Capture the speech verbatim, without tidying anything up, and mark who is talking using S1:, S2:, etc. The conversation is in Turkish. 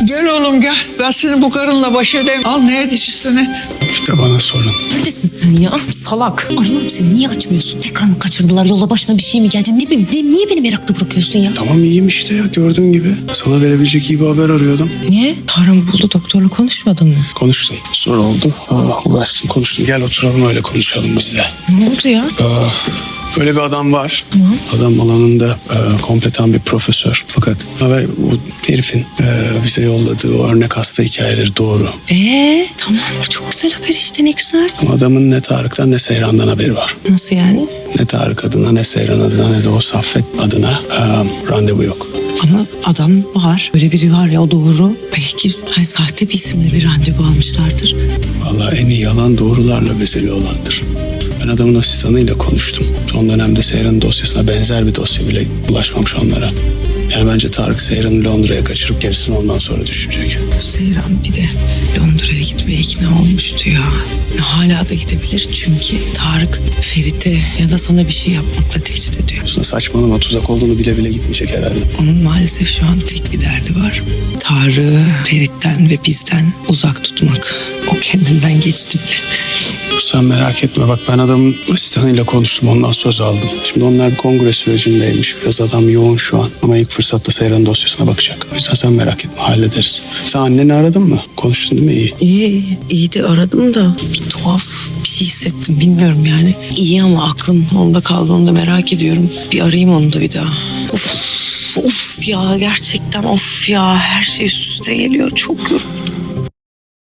S1: Gel oğlum gel. Ben seni bu karınla baş edeyim. Al ne edicisin et.
S2: Bir de bana sorun.
S3: Neredesin sen ya? Salak. Arıyorum seni, niye açmıyorsun? Tekrar mı kaçırdılar? Yola başına bir şey mi geldi? Ne bileyim, ne- niye beni meraklı bırakıyorsun ya?
S2: Tamam iyiyim işte ya gördüğün gibi. Sana verebilecek iyi bir haber arıyordum.
S3: Niye? Tarım buldu, doktorla konuşmadın mı?
S2: Konuştum. Sonra oldu. Aa, ulaştım konuştum. Gel oturalım öyle konuşalım biz de.
S3: Ne oldu ya?
S2: Aa, böyle bir adam var. Adam alanında e, kompetan bir profesör. Fakat ve bu herifin e, bize yolladığı o örnek hasta hikayeleri doğru.
S3: Ee, tamam, çok güzel haber işte, ne güzel.
S2: Ama adamın ne Tarık'tan ne Seyran'dan haberi var.
S3: Nasıl yani?
S2: Ne Tarık adına ne Seyran adına ne de o Saffet adına e, randevu yok.
S3: Ama adam var, öyle biri var ya, o doğru. Belki hani sahte bir isimle bir randevu almışlardır.
S2: Vallahi en iyi yalan doğrularla bezeli olandır. Ben adamın asistanıyla konuştum. Son dönemde Seyran'ın dosyasına benzer bir dosya bile ulaşmamış onlara. Yani bence Tarık Seyran'ı Londra'ya kaçırıp gerisini ondan sonra düşünecek.
S3: Seyran bir de Londra'ya gitmeye ikna olmuştu ya. Hala da gidebilir çünkü Tarık Ferit'e ya da sana bir şey yapmakla tehdit ediyor.
S2: Aslında saçmalama tuzak olduğunu bile bile gitmeyecek herhalde.
S3: Onun maalesef şu an tek bir derdi var. Tarık'ı Ferit'ten ve bizden uzak tutmak. O kendinden geçti bile.
S2: Sen merak etme bak ben adamın asistanıyla konuştum ondan söz aldım. Şimdi onlar bir kongre sürecindeymiş. Biraz adam yoğun şu an ama ilk fırsatta Seyran'ın dosyasına bakacak. O yüzden sen merak etme hallederiz. Sen anneni aradın mı? Konuştun değil mi? İyi.
S3: İyi, iyi de aradım da bir tuhaf bir şey hissettim, bilmiyorum yani. İyi ama aklım onda kaldı, onu da merak ediyorum. Bir arayayım onu da bir daha. Of, of ya, gerçekten of ya, her şey üst üste geliyor, çok yoruldum.